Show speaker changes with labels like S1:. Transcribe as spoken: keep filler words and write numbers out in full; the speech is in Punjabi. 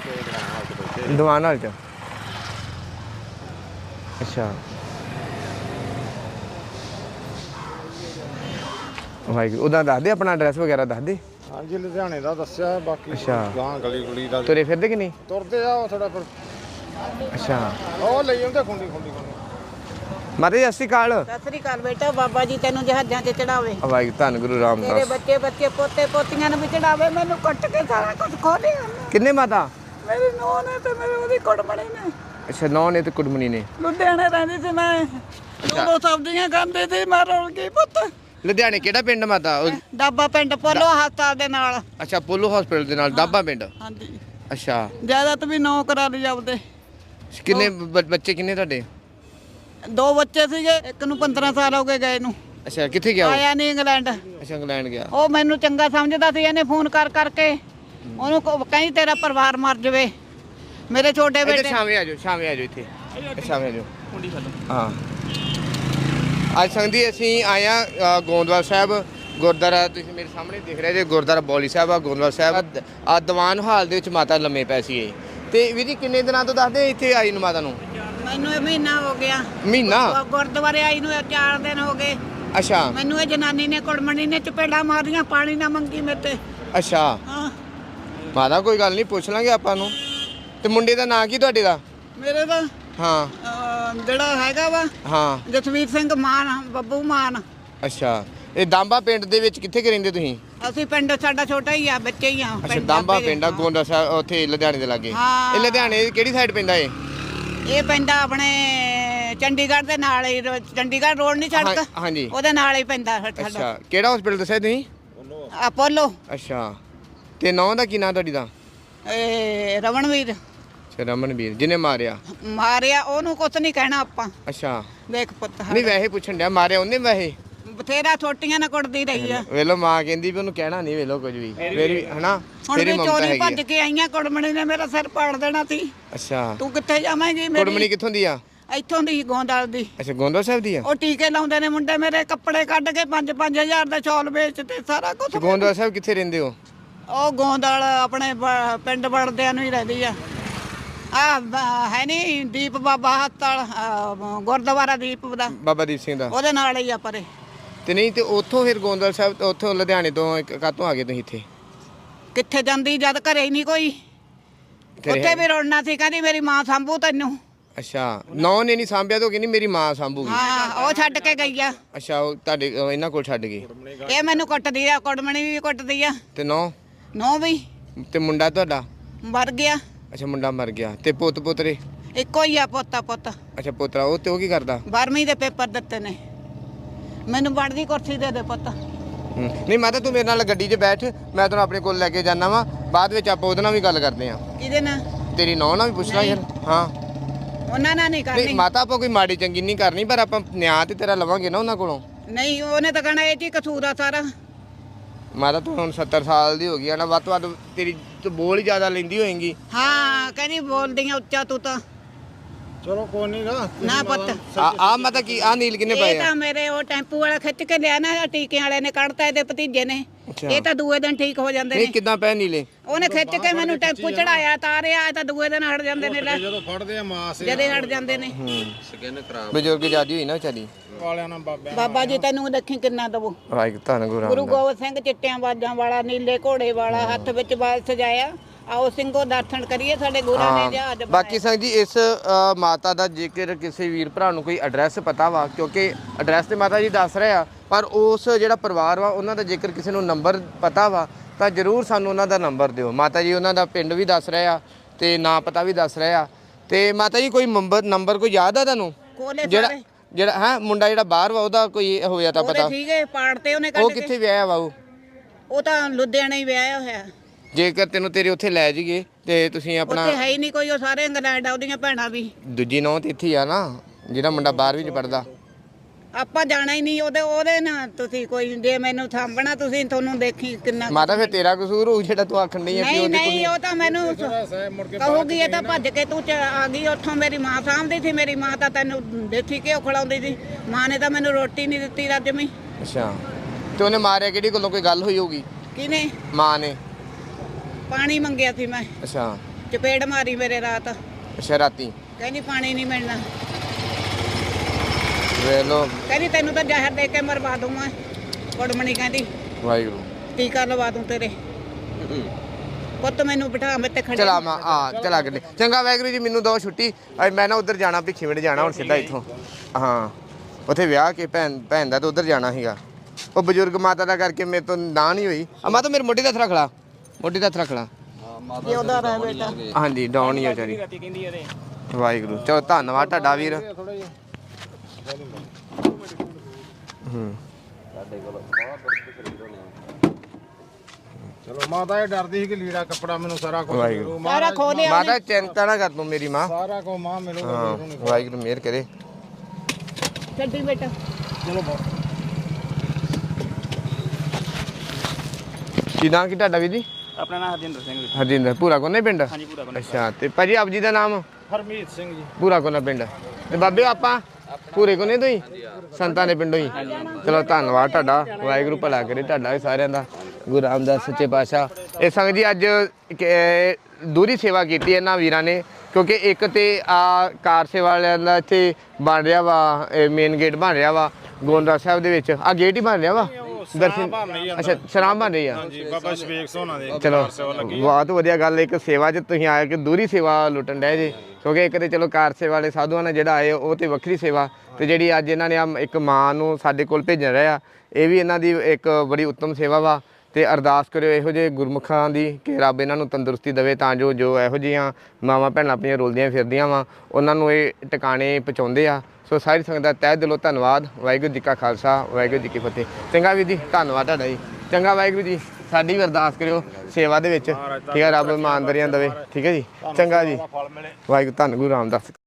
S1: ਦੀਵਾਨ ਹਾਲ 'ਚ। ਅੱਛਾ ਵਾਹਿਗੁਰੂ। ਉਹਦਾ ਦੱਸ ਦੇ ਆਪਣਾ ਐਡਰੈਸ ਵਗੈਰਾ ਦੱਸ ਦੇ।
S2: ਹਾਂਜੀ ਲੁਧਿਆਣੇ ਦਾ ਦੱਸਿਆ, ਬਾਕੀ ਗਾਂ ਗਲੀ ਗੁਲੀ ਦਾ
S1: ਤੁਰੇ ਫਿਰਦੇ ਕਿ ਨਹੀਂ?
S2: ਤੁਰਦੇ ਆ ਥੋੜਾ ਫਿਰ।
S1: ਅੱਛਾ
S2: ਉਹ ਲਈ ਆਉਂਦੇ ਖੁੰਡੀ ਖੁੰਡੀ ਖੁੰਡੀ।
S1: ਮਾਤਾ ਜੀ ਸਤਿ ਸ਼੍ਰੀ ਅਕਾਲ।
S3: ਸਤਿ ਸ੍ਰੀ ਅਕਾਲ ਬੇਟਾ, ਬਾਬਾ ਜੀ ਤੈਨੂੰ ਜਹਾਜ਼ਾਂ 'ਚ ਚੜਾਵੇ।
S1: ਵਾਹਿਗੁਰੂ ਧੰਨ ਗੁਰੂ
S3: ਤੇਰੇ
S1: ਰਾਮਦਾਸ।
S3: ਬੱਚੇ ਬੱਚੇ ਪੋਤੇ ਪੋਤੀਆਂ ਨੂੰ ਵੀ ਚੜਾਵੇ। ਮੈਨੂੰ ਕੱਟ ਕੇ ਸਾਰਾ ਕੁਝ ਖੋ ਲਿਆ
S1: ਕਿੰਨੇ ਮਾਤਾ?
S3: ਮੇਰੀ ਨੂੰਹ ਨੇ ਤੇ ਮੇਰੇ ਉਹਦੀ ਕੁੜਮਣੀ ਨੇ।
S1: ਅੱਛਾ ਨੌ ਨੇ ਤੇ ਕੁੜਮਣੀ ਨੇ।
S3: ਲੁਧਿਆਣੇ ਰਹਿੰਦੀ ਸੀ ਮੈਂ। ਦੋ ਸਬਜ਼ੀਆਂ ਖਾਂਦੇ ਸੀ ਮੈਂ, ਰੋਲ ਗਈ ਪੁੱਤ।
S1: ਲੁਧਿਆਣੇ ਕਿਹੜਾ ਪਿੰਡ ਮਾਤਾ? ਉਹ-
S3: ਡਾਬਾ ਪਿੰਡ ਪੋਲੋ ਹਸਪਤਾਲ ਦੇ ਨਾਲ।
S1: ਅੱਛਾ ਪੋਲੋ ਹਸਪੀਟਲ ਦੇ ਨਾਲ ਦਾਬਾ ਪਿੰਡ।
S3: ਹਾਂਜੀ
S1: ਅੱਛਾ
S3: ਜ਼ਿਆਦਾਤਰ ਵੀ ਨੌ ਕਰਾ ਲਈ ਆਪਦੇ।
S1: ਕਿੰਨੇ ਬ- ਬੱਚੇ ਕਿੰਨੇ ਤੁਹਾਡੇ?
S3: ਦੋ ਬੱਚੇ ਸੀਗੇ, ਇੱਕ ਨੂੰ ਪੰਦਰਾਂ ਸਾਲ ਹੋ ਗਏ ਗਏ ਨੂੰ।
S1: ਅੱਛਾ ਕਿੱਥੇ ਗਿਆ ਉਹ?
S3: ਆਇਆ ਨਹੀਂ ਇੰਗਲੈਂਡ।
S1: ਅੱਛਾ ਇੰਗਲੈਂਡ ਗਿਆ।
S3: ਉਹ ਮੈਨੂੰ ਚੰਗਾ ਸਮਝਦਾ ਸੀ, ਇਹਨੇ ਫੋਨ ਕਰ ਕਰਕੇ ਉਹਨੂੰ ਕਹੋ- ਕਹਿੰਦੀ ਤੇਰਾ ਪਰਿਵਾਰ ਮਰ ਜਾਵੇ। ਮੇਰੇ ਛੋਟੇ
S1: ਇੱਥੇ
S3: ਬੇਟੇ
S1: ਸ਼ਾਮੇ ਆ ਜਾਓ, ਸ਼ਾਮੇ ਆ ਜਾਓ ਇੱਥੇ ਸ਼ਾਮੇ ਆ ਜਾਓ। ਹਾਂ ਅੱਜ ਸੰਗਦੀ ਅਸੀਂ ਆਇਆ ਗੋਂਦਵਾਲ ਸਾਹਿਬ ਗੁਰਦੁਆਰਾ। ਤੁਸੀਂ ਮੇਰੇ ਸਾਹਮਣੇ ਦਿਖ ਰਿਹਾ ਜੇ ਗੁਰਦੁਆਰਾ ਬੌਲੀ ਸਾਹਿਬ ਆ ਗੋਂਦਵਾਲ ਸਾਹਿਬ। ਆ ਦੀਵਾਨ ਹਾਲ ਦੇ ਵਿੱਚ ਮਾਤਾ ਲੰਮੇ ਪੈ ਸੀ। ਤੇ ਵੀਰ ਜੀ ਕਿੰਨੇ ਦਿਨਾਂ ਤੋਂ ਦੱਸਦੇ ਇੱਥੇ ਆਈ ਨੂੰ ਮਾਤਾ ਨੂੰ?
S3: ਮੈਨੂੰ ਇਹ ਮਹੀਨਾ ਹੋ ਗਿਆ।
S1: ਮਹੀਨਾ?
S3: ਗੁਰਦੁਆਰੇ ਆਈ ਨੂੰ ਚਾਰ ਦਿਨ ਹੋ ਗਏ।
S1: ਅੱਛਾ
S3: ਮੈਨੂੰ ਇਹ ਜਨਾਨੀ ਨੇ ਕੁੜਮਣੀ ਨੇ ਚਪੇੜਾ ਮਾਰੀਆਂ, ਪਾਣੀ ਨਾ ਮੰਗੀ ਮੇਰੇ ਤੇ।
S1: ਅੱਛਾ
S3: ਹਾਂ
S1: ਮਾਤਾ ਕੋਈ ਗੱਲ ਨਹੀਂ, ਪੁੱਛ ਲਾਂਗੇ ਆਪਾਂ ਨੂੰ। ਤੇ ਮੁੰਡੇ ਦਾ ਨਾਂ ਕੀ ਤੁਹਾਡੇ ਦਾ?
S3: ਮੇਰੇ ਦਾ
S1: ਹਾਂ
S3: ਅਹ, ਜਿਹੜਾ ਹੈਗਾ ਵਾ
S1: ਹਾਂ
S3: ਜਸਵੀਰ ਸਿੰਘ ਮਾਨ, ਬੱਬੂ ਮਾਨ।
S1: ਅੱਛਾ ਇਹ ਦਾਂਬਾ ਪਿੰਡ ਦੇ ਵਿੱਚ ਕਿੱਥੇ ਕੁ ਰਹਿੰਦੇ ਤੁਸੀਂ?
S3: ਅਸੀਂ ਪਿੰਡ ਸਾਡਾ ਛੋਟਾ ਹੀ ਆ, ਬੱਚੇ ਹੀ ਆ।
S1: ਅੱਛਾ ਦਾਂਬਾ ਪਿੰਡ ਆ ਗੋਂਦਾ ਸਾਹਿਬ ਉੱਥੇ ਲੁਧਿਆਣੇ ਦੇ ਲਾਗੇ।
S3: ਹਾਂ।
S1: ਇਹ ਲੁਧਿਆਣੇ ਕਿਹੜੀ ਸਾਈਡ ਪੈਂਦਾ ਇਹ?
S3: ਇਹ ਪੈਂਦਾ ਆਪਣੇ ਚੰਡੀਗੜ੍ਹ ਦੇ ਨਾਲ ਹੀ, ਰੋ- ਚੰਡੀਗੜ੍ਹ ਰੋਡ ਨਹੀਂ ਸੜਕ,
S1: ਹਾਂ- ਹਾਂਜੀ
S3: ਉਹਦੇ ਨਾਲ ਹੀ ਪੈਂਦਾ ਸਾਡਾ
S1: ਅੱਛਾ ਕਿਹੜਾ ਹਸਪੀਟਲ ਦੱਸਿਆ ਤੁਸੀਂ?
S3: ਅਪੋਲੋ।
S1: ਅੱਛਾ ਤੇ ਨੌਂ ਦਾ ਕੀ ਨਾਂ ਤੁਹਾਡੀ ਦਾ?
S3: ਇਹ ਰਵਣਵੀਰ
S1: ਅੱਛਾ ਰਮਨਵੀਰ ਜਿਹਨੇ ਮਾਰਿਆ।
S3: ਮਾਰਿਆ ਉਹਨੂੰ ਕੁਛ ਨਹੀਂ ਕਹਿਣਾ ਆਪਾਂ।
S1: ਅੱਛਾ
S3: ਦੇਖ ਪੁੱਤ
S1: ਨਹੀਂ ਵੈਸੇ ਪੁੱਛਣ ਡਿਆ, ਮਾਰਿਆ ਉਹਨੇ ਵੈਸੇ?
S3: ਬਥੇਰਾ ਛੋਟੀਆਂ ਨਾਲ ਕੁੱਟਦੀ ਰਹੀ ਆ।
S1: ਵੇਲੋ ਮਾਂ ਕਹਿੰਦੀ ਵੀ ਉਹਨੂੰ ਕਹਿਣਾ ਨਹੀਂ, ਵੇਲੋ ਕੁਝ ਵੀ ਫਿਰ ਵੀ ਹਨਾ
S3: ਹੁਣ
S1: ਤੇਰੀ
S3: ਵੀ
S1: ਮਮਤਾ
S3: ਚੋਰੀ
S1: ਹੈਗੀ
S3: ਭੱਜ
S1: ਆ।
S3: ਕੇ ਆਈਆਂ, ਕੁੜਮਣੀ ਨੇ ਮੇਰਾ ਸਿਰ ਪਾੜ ਦੇਣਾ ਸੀ।
S1: ਅੱਛਾ
S3: ਤੂੰ ਕਿੱਥੇ ਜਾਵੇਂਗੀ?
S1: ਕੁੜਮਣੀ
S3: ਮੇਰੀ
S1: ਕਿੱਥੋਂ ਦੀ ਆ?
S3: ਇੱਥੋਂ ਦੀ ਗੋਂਦਵਾਲ ਦੀ।
S1: ਅੱਛਾ ਗੋਂਦਾ ਸਾਹਿਬ ਦੀ ਆ।
S3: ਉਹ ਟੀਕੇ ਲਾਉਂਦੇ ਨੇ ਮੁੰਡੇ ਮੇਰੇ, ਕੱਪੜੇ ਕੱਢ ਕੇ ਪੰਜ ਪੰਜ ਹਜ਼ਾਰ ਦਾ ਸ਼ਾਲ ਵੇਚਦੇ, ਸਾਰਾ ਕੁਝ।
S1: ਗੋਂਦਾ ਸਾਹਿਬ ਕਿੱਥੇ ਰਹਿੰਦੇ ਹੋ?
S3: ਉਹ ਗੋਂਦਵਾਲ ਆਪਣੇ ਬ- ਪਿੰਡ ਵੜਦਿਆਂ ਨੂੰ ਹੀ ਰਹਿੰਦੀ ਆ। ਆ ਹੈ ਨਹੀਂ ਦੀਪ ਬਾਬਾ ਹਸਪਤਾਲ, ਅਹ, ਗੁਰਦੁਆਰਾ ਦੀਪ ਦਾ,
S1: ਬਾਬਾ ਦੀਪ ਸਿੰਘ ਦਾ।
S3: ਉਹਦੇ ਨਾਲ ਹੀ ਆ ਪਰੇ।
S1: ਤੇ ਨਹੀਂ ਤੇ ਉੱਥੋਂ ਫਿਰ ਗੋਂਦਵਾਲ ਸਾਹਿਬ ਤੋਂ ਉੱਥੋਂ ਲੁਧਿਆਣੇ ਤੋਂ ਇੱਕ- ਕਾਹਤੋਂ ਆ ਗਏ ਤੁਸੀਂ ਇੱਥੇ?
S3: ਕਿੱਥੇ ਜਾਂਦੀ ਜਦ ਘਰੇ ਹੀ ਨਹੀਂ ਕੋਈ।
S1: ਘਰੇ
S3: ਉੱਥੇ ਵੀ ਰੋਣਾ ਸੀ, ਕਹਿੰਦੀ ਮੇਰੀ ਮਾਂ ਸੰਭੂ ਤੈਨੂੰ।
S1: ਅੱਛਾ ਨੌ ਨੇ ਨਹੀਂ ਸਾਂਭਿਆ ਤਾਂ ਕਹਿੰਦੀ ਮੇਰੀ ਮਾਂ ਸਾਂਭੂਗੀ।
S3: ਹਾਂ ਉਹ ਛੱਡ ਕੇ ਗਈ ਆ।
S1: ਅੱਛਾ ਉਹ ਤੁਹਾਡੇ ਉਹ ਇਹਨਾਂ ਕੋਲ ਛੱਡ ਗਏ।
S3: ਇਹ ਮੈਨੂੰ ਕੁੱਟਦੀ ਆ, ਕੁੜਮਣੀ ਵੀ ਕੁੱਟਦੀ ਆ,
S1: ਤੇ ਨੌ
S3: ਨੋ ਵੀ
S1: ਤੇ ਮੁੰਡਾ ਤੁਹਾਡਾ?
S3: ਮਰ ਗਿਆ।
S1: ਅੱਛਾ ਮੁੰਡਾ ਮਰ ਗਿਆ ਤੇ ਪੁੱਤ ਪੁੱਤਰੇ?
S3: ਇੱਕੋ ਹੀ ਆ ਪੋਤਾ ਪੁੱਤ।
S1: ਅੱਛਾ ਪੋਤਰਾ ਉਹ ਤੇ ਉਹ ਕੀ ਕਰਦਾ?
S3: ਬਾਰਵੀਂ ਦੇ ਪੇਪਰ ਦਿੱਤੇ ਨੇ। ਮੈਨੂੰ ਬਣਦੀ ਕੁਰਸੀ ਦੇ ਦੇ ਪੁੱਤ।
S1: ਹੂੰ। ਨਹੀਂ ਮਾਤਾ ਤੂੰ ਮੇਰੇ ਨਾਲ ਗੱਡੀ 'ਚ ਬੈਠ, ਮੈਂ ਤੈਨੂੰ ਆਪਣੇ ਕੋਲ ਲੈ ਕੇ ਜਾਣਾ ਵਾ। ਬਾਅਦ ਵਿੱਚ ਆਪਾਂ ਉਹਦੇ ਨਾਲ ਵੀ ਗੱਲ ਕਰਦੇ ਆ।
S3: ਕਿਹਦੇ ਨਾਲ?
S1: ਤੇਰੀ ਨੌ ਨਾਲ ਵੀ ਪੁੱਛਣਾ ਯਾਰ। ਹਾਂ
S3: ਉਹਨਾਂ ਨਾਲ ਨਹੀਂ
S1: ਨਹੀਂ
S3: ਕਰਨੀ।
S1: ਮਾਤਾ ਆਪਾਂ ਕੋਈ ਮਾੜੀ ਚੰਗੀ ਨਹੀਂ ਕਰਨੀ, ਪਰ ਆਪਾਂ ਨਿਆਂ ਤੇ ਤੇਰਾ ਲਵਾਂਗੇ ਨਾ ਉਹਨਾਂ ਕੋਲੋਂ।
S3: ਨਹੀਂ ਉਹਨੇ ਤਾਂ ਕਹਣਾ ਇਹ ਜੀ ਕਸੂਰ ਆ ਸਾਰਾ।
S1: ਮਾਤਾ ਤੂੰ ਹੁਣ ਸੱਤਰ ਸਾਲ ਦੀ ਹੋ ਗਈ ਆ ਨਾ, ਵੱਧ ਤੋਂ ਵੱਧ ਤੇਰੀ ਤੂੰ ਬੋਲ ਹੀ ਜ਼ਿਆਦਾ ਲੈਂਦੀ ਹੋਏਗੀ।
S3: ਹਾਂ ਕਹਿੰਦੀ ਬੋਲਦੀਆਂ ਉੱਚਾ ਤੂੰ ਤਾਂ।
S2: ਚਲੋ ਕੋਈ ਨਹੀਂ ਗਾ।
S3: ਨਾ ਪੁੱਤ
S1: ਆ ਆ ਮਾਤਾ ਕੀ ਆ ਨੀਲ ਕਿੰਨੇ ਪਏ
S3: ਇਹ
S1: ਆ?
S3: ਤਾਂ ਮੇਰੇ ਉਹ ਟੈਂਪੂ ਵਾਲਾ ਖਿੱਚ ਕੇ ਲਿਆ ਨਾ, ਟੀਕੇ ਵਾਲੇ ਨੇ ਕੱਢਤਾ, ਇਹਦੇ ਭਤੀਜੇ ਨੇ।
S1: ਅੱਛਾ।
S3: ਇਹ ਤਾਂ ਦੂਏ ਦਿਨ ਠੀਕ ਹੋ ਜਾਂਦੇ
S1: ਨਹੀਂ
S3: ਨੇ।
S1: ਕਿੱਦਾਂ ਪਏ ਨੀਲੇ?
S3: ਉਹਨੇ ਖਿੱਚ ਕੇ ਮੈਨੂੰ ਟੈਂਪੂ ਚੜਾਇਆ, ਤਾਰਿਆ, ਇਹ ਤਾਂ ਦੂਏ ਦਿਨ ਹਟ ਜਾਂਦੇ ਨੇ। ਲੈ
S2: ਜਦੋਂ ਫੜਦੇ ਆ ਮਾਸ
S3: ਜਦੇ ਹਟ ਜਾਂਦੇ ਨੇ।
S1: ਬਜ਼ੁਰਗ ਜਿਆਦੀ ਹੋਈ ਨਾ ਵਿਚਾਰੀ।
S2: ਵਾਲਿਆਂ ਨਾਲ ਬਾਬਿਆਂ
S3: ਬਾਬਾ ਜੀ ਤੈਨੂੰ ਦੇਖੀ ਕਿੰਨਾ ਦਵੋ।
S1: ਵਾਹਿਗੁਰੂ ਧੰਨ ਗੁਰੂ
S3: ਗੁਰੂ
S1: ਰਾਮਦਾਸ।
S3: ਗੋਬਿੰਦ ਸਿੰਘ ਚਿੱਟਿਆਂ ਬਾਜਾਂ ਵਾਲਾ, ਨੀਲੇ ਘੋੜੇ ਵਾਲਾ, ਹੱਥ ਵਿੱਚ ਬਾਲ ਸਜਾਇਆ। ਆਓ ਸਿੰਘੋ ਦਰਸ਼ਨ ਕਰੀਏ, ਸਾਡੇ ਗੁਰਾਂ ਨੇ ਜਹਾਜ਼ ਬਣਾਇਆ।
S1: ਬਾਕੀ ਸੰਗ ਜੀ ਇਸ ਅ, ਮਾਤਾ ਦਾ ਜੇਕਰ ਕਿਸੇ ਵੀਰ ਭਰਾ ਨੂੰ ਕੋਈ ਐਡਰੈਸ ਪਤਾ ਵਾ, ਕਿਉਂਕਿ ਐਡਰੈਸ ਤੇ ਮਾਤਾ ਜੀ ਦੱਸ ਰਹੇ ਆ, ਪਰ ਉਸ ਜਿਹੜਾ ਪਰਿਵਾਰ ਵਾ ਉਹਨਾਂ ਦਾ ਜੇਕਰ ਕਿਸੇ ਨੂੰ ਨੰਬਰ ਪਤਾ ਵਾ ਤਾਂ ਜ਼ਰੂਰ ਸਾਨੂੰ ਉਹਨਾਂ ਦਾ ਨੰਬਰ ਦਿਓ। ਮਾਤਾ ਜੀ ਉਹਨਾਂ ਦਾ ਪਿੰਡ ਵੀ ਦੱਸ ਰਹੇ ਆ ਤੇ ਨਾਂ ਪਤਾ ਵੀ ਦੱਸ ਰਹੇ ਆ। ਤੇ ਮਾਤਾ ਜੀ ਕੋਈ ਨੰਬਰ ਨੰਬਰ ਕੋਈ ਯਾਦ ਆ ਤੁਹਾਨੂੰ?
S3: ਕੋਲੇ
S1: ਜਿਹੜਾ
S3: ਸਾਰੇ
S1: ਜਿਹੜਾ ਹਾਂ ਮੁੰਡਾ ਜਿਹੜਾ ਬਾਹਰ ਵਾ ਉਹਦਾ ਕੋਈ ਹੋਇਆ ਤਾਂ
S3: ਉਹਦੇ
S1: ਪਤਾ?
S3: ਠੀਕੇ ਪਾੜ ਤੇ ਉਹਨੇ
S1: ਉਹ
S3: ਕੱਢ ਕੇ।
S1: ਕਿੱਥੇ ਵਿਆਹਿਆ ਵਾ ਉਹ?
S3: ਉਹ ਤਾਂ ਲੁਧਿਆਣੇ ਹੀ ਵਿਆਹਿਆ ਹੋਇਆ।
S1: ਜੇਕਰ ਤੈਨੂੰ ਤੇਰੇ ਉੱਥੇ ਲੈ ਜਾਈਏ ਤੇ ਤੁਸੀਂ ਆਪਣਾ
S3: ਉੱਥੇ ਹੈ ਹੀ ਨਹੀਂ ਕੋਈ, ਉਹ ਸਾਰੇ ਇੰਗਲੈਂਡ ਆ, ਉਹਦੀਆਂ ਭੈਣਾਂ ਵੀ।
S1: ਦੂਜੀ ਨੌਂ ਤੇ ਇੱਥੇ ਹੀ ਆ ਨਾ, ਜਿਹੜਾ ਮੁੰਡਾ ਬਾਰਵੀਂ ਚ ਪੜਦਾ।
S3: ਆਪਾਂ ਜਾਣਾ ਹੀ ਨਹੀਂ ਉਹਦੇ ਉਹਦੇ ਨਾਲ। ਤੁਸੀਂ ਕੋਈ ਜੇ ਮੈਨੂੰ ਸਾਂਭਣਾ, ਤੁਸੀਂ ਤੁਹਾਨੂੰ ਦੇਖੀ ਕਿੰਨਾ।
S1: ਮਾਤਾ ਫਿਰ ਤੇਰਾ ਕਸੂਰ ਹੋਊ ਜਿਹੜਾ ਤੂੰ ਆਖਣ ਨਹੀਂ ਆ ਕਿ
S3: ਨਹੀਂ
S1: ਉਹਦੀ
S3: ਨਹੀਂ ਉਹ ਤਾਂ ਮੈਨੂੰ
S2: ਮੁੜ ਕੇ
S3: ਕਹੂਗੀ ਇਹ ਤਾਂ ਭੱਜ ਕੇ ਤੂੰ ਚ ਆ ਗਈ ਉੱਥੋਂ। ਮੇਰੀ ਮਾਂ ਸਾਂਭਦੀ ਸੀ, ਮੇਰੀ ਮਾਂ ਤਾਂ ਤੈਨੂੰ ਦੇਸੀ ਘਿਓ ਖਿਲਾਉਂਦੀ ਸੀ। ਮਾਂ ਨੇ ਤਾਂ ਮੈਨੂੰ ਰੋਟੀ ਨਹੀਂ ਦਿੱਤੀ ਰੱਜਵੀਂ।
S1: ਅੱਛਾ ਤੇ ਉਹਨੇ ਮਾਰਿਆ ਕਿਹੜੀ ਗੱਲੋਂ? ਕੋਈ ਗੱਲ ਹੋਈ ਹੋਊਗੀ
S3: ਕਿਹਨੇ?
S1: ਮਾਂ ਨੇ?
S3: ਪਾਣੀ ਮੰਗਿਆ ਸੀ ਮੈਂ।
S1: ਅੱਛਾ
S3: ਚਪੇੜ ਮਾਰੀ ਮੇਰੇ ਰਾਤ,
S1: ਅੱਛਾ ਰਾਤੀ
S3: ਕਹਿੰਦੀ ਪਾਣੀ ਨਹੀਂ ਮਿਲਣਾ,
S1: ਵੇਖ ਲਓ
S3: ਕਹਿੰਦੀ ਤੈਨੂੰ ਤਾਂ ਜ਼ਹਿਰ ਦੇ ਕੇ ਮਰਵਾ ਦੂੰ ਮੈਂ। ਕੁੜਮਣੀ ਕਹਿੰਦੀ
S1: ਵਾਹਿਗੁਰੂ
S3: ਟੀਕਾ ਲਵਾ ਦੂੰ ਤੇਰੇ। ਪੁੱਤ ਮੈਨੂੰ ਬਿਠਾ ਮੈਂ ਤੇ ਖੜੇ
S1: ਚਲਾ ਮਾ ਆ ਚਲਾ ਗੱਡੀ ਚੰਗਾ ਵਾਹਿਗੁਰੂ ਜੀ ਮੈਨੂੰ ਦੋ ਛੁੱਟੀ ਅੱਜ ਮੈਂ ਨਾ ਉਧਰ ਜਾਣਾ ਭਿੱਖੀਵਿੰਡ ਜਾਣਾ ਹੁਣ ਸਿੱਧਾ ਇੱਥੋਂ ਹਾਂ ਉੱਥੇ ਵਿਆਹ ਕੇ ਭੈਣ ਭੈਣ ਦਾ ਤੇ ਉਧਰ ਜਾਣਾ ਸੀਗਾ ਉਹ ਬਜ਼ੁਰਗ ਮਾਤਾ ਦਾ ਕਰਕੇ ਮੇਰੇ ਤੋਂ ਨਾ ਨਹੀਂ ਹੋਈ ਆ ਮਾਤਾ ਮੇਰੇ ਮੋਢੇ ਦਾ ਹੱਥ ਰੱਖ ਲਾ ਮੋਢੇ ਦਾ ਹੱਥ ਰੱਖ ਲਾ
S3: ਜੇ ਉਹਦਾ ਰਹਿ ਬੇਟਾ
S1: ਹਾਂਜੀ ਡਾਉਣ ਹੀ ਆ ਵਿਚਾਰੀ ਵਾਹਿਗੁਰੂ ਚਲੋ ਧੰਨਵਾਦ ਤੁਹਾਡਾ ਵੀਰ ਹੂੰ
S2: ਚਲੋ ਮਾਤਾ ਇਹ ਡਰਦੀ ਸੀ ਕਿ ਲੀੜਾ ਕੱਪੜਾ ਮੈਨੂੰ ਸਾਰਾ ਕੁਝ
S1: ਵਾਹਿਗੁਰੂ।
S2: ਮਿਲੂ
S3: ਸਾਰਾ ਖੋ ਲਿਆ
S1: ਮਾਤਾ ਚਿੰਤਾ ਨਾ ਕਰ ਤੂੰ ਮੇਰੀ ਮਾਂ
S2: ਸਾਰਾ ਕੁਝ ਮਾਂ ਮਿਲੂਗਾ
S1: ਹਾਂ
S2: ਮੈਨੂੰ ਨਹੀਂ
S1: ਵਾਹਿਗੁਰੂ ਮਿਹਰ ਕਰੇ
S3: ਛੱਡੀ ਬੇਟਾ।
S2: ਚਲੋ ਬਹੁਤ
S1: ਕੀ ਨਾਂ ਕੀ ਤੁਹਾਡਾ ਵੀਰ ਜੀ
S4: ਆਪਣਾ ਨਾਮ ਹਰਜਿੰਦਰ ਸਿੰਘ ਜੀ।
S1: ਹਰਜਿੰਦਰ ਪੂਰਾ ਕੋਨੇ ਪਿੰਡ
S4: ਹਾਂਜੀ ਪੂਰਾ ਕੋਨੇ।
S1: ਅੱਛਾ ਤੇ ਭਾਜੀ ਆਪ ਜੀ ਦਾ ਨਾਮ
S2: ਹਰਮੀਤ ਸਿੰਘ ਜੀ
S1: ਪੂਰਾ ਕੋਨਾ ਪਿੰਡ ਤੇ ਬਾਬੇ ਆਪਾਂ ਪੂਰੇ ਕੋਨੇ ਤੋਂ ਹੀ ਸੰਤਾਂ ਦੇ ਪਿੰਡੋਂ ਹੀ ਚਲੋ ਧੰਨਵਾਦ ਤੁਹਾਡਾ ਵਾਹਿਗੁਰੂ ਭਲਾ ਕਰੇ ਤੁਹਾਡਾ ਵੀ ਸਾਰਿਆਂ ਦਾ ਗੁਰੂ ਰਾਮਦਾਸ ਸੱਚੇ ਪਾਤਸ਼ਾਹ ਇਹ ਸੰਗਤ ਜੀ ਅੱਜ ਕਿ- ਦੂਰੀ ਸੇਵਾ ਕੀਤੀ ਇਹਨਾਂ ਵੀਰਾਂ ਨੇ ਕਿਉਂਕਿ ਇੱਕ ਤੇ ਆ ਕਾਰ ਸੇਵਾ ਵਾਲਿਆਂ ਦਾ ਇੱਥੇ ਬਣ ਰਿਹਾ ਵਾ ਮੇਨ ਗੇਟ ਬਣ ਰਿਹਾ ਵਾ ਗੋਂਦਾ ਸਾਹਿਬ ਦੇ ਵਿੱਚ ਆ ਗੇਟ ਹੀ ਬਣ ਰਿਹਾ ਵਾ ਦਰਸ਼ਨ ਅੱਛਾ ਸ਼ਰਾਬ ਬਣ ਰਹੀ ਆ
S2: ਹਾਂਜੀ ਬਾਬਾ ਸ਼ਵੇਕ ਸੋਨਾ ਦੇ
S1: ਚਲੋ ਬਹੁਤ ਵਧੀਆ ਗੱਲ ਇੱਕ ਸੇਵਾ 'ਚ ਤੁਸੀਂ ਆਏ ਕਿ ਦੂਰੀ ਸੇਵਾ ਲੁੱਟਣ ਡਏ ਜੇ ਕਿਉਂਕਿ ਇੱਕ ਤੇ ਚਲੋ ਕਾਰ ਸੇਵਾ ਵਾਲੇ ਸਾਧੂਆਂ ਨੇ ਜਿਹੜਾ ਆਏ ਉਹ ਤੇ ਵੱਖਰੀ ਸੇਵਾ ਤੇ ਜਿਹੜੀ ਅੱਜ ਇਹਨਾਂ ਨੇ ਆ ਇੱਕ ਮਾਂ ਨੂੰ ਸਾਡੇ ਕੋਲ ਭੇਜਣ ਰਹੇ ਆ ਇਹ ਵੀ ਇਹਨਾਂ ਦੀ ਇੱਕ ਬੜੀ ਉੱਤਮ ਸੇਵਾ ਵਾ ਤੇ ਅਰਦਾਸ ਕਰਿਓ ਇਹੋ ਜਿਹੇ ਗੁਰਮੁਖਾਂ ਦੀ ਕਿ ਰੱਬ ਇਹਨਾਂ ਨੂੰ ਤੰਦਰੁਸਤੀ ਦੇਵੇ ਤਾਂ ਜੋ ਜੋ ਇਹੋ ਜਿਹੀਆਂ ਮਾਵਾਂ ਭੈਣਾਂ ਆਪਣੀਆਂ ਰੁਲਦੀਆਂ ਫਿਰਦੀਆਂ ਵਾ ਉਹਨਾਂ ਨੂੰ ਇਹ ਟਿਕਾਣੇ ਪਹੁੰਚਾਉਂਦੇ ਆ ਸੋ ਸਾਰੀ ਸੰਗਤ ਦਾ ਤਹਿ ਦਿਲੋਂ ਧੰਨਵਾਦ ਵਾਹਿਗੁਰੂ ਜੀ ਕਾ ਖਾਲਸਾ ਵਾਹਿਗੁਰੂ ਜੀ ਕੀ ਫਤਿਹ ਚੰਗਾ ਵੀਰ ਜੀ ਧੰਨਵਾਦ ਤੁਹਾਡਾ ਜੀ ਚੰਗਾ ਵਾਹਿਗੁਰੂ ਜੀ ਸਾਡੀ ਵੀ ਅਰਦਾਸ ਕਰਿਓ ਸੇਵਾ ਦੇ ਵਿੱਚ ਠੀਕ ਹੈ ਰੱਬ ਇਮਾਨਦਾਰੀਆਂ ਦੇਵੇ ਠੀਕ ਹੈ ਜੀ ਚੰਗਾ ਜੀ ਵਾਹਿਗੁਰੂ ਧੰਨ ਗੁਰੂ ਰਾਮਦਾਸ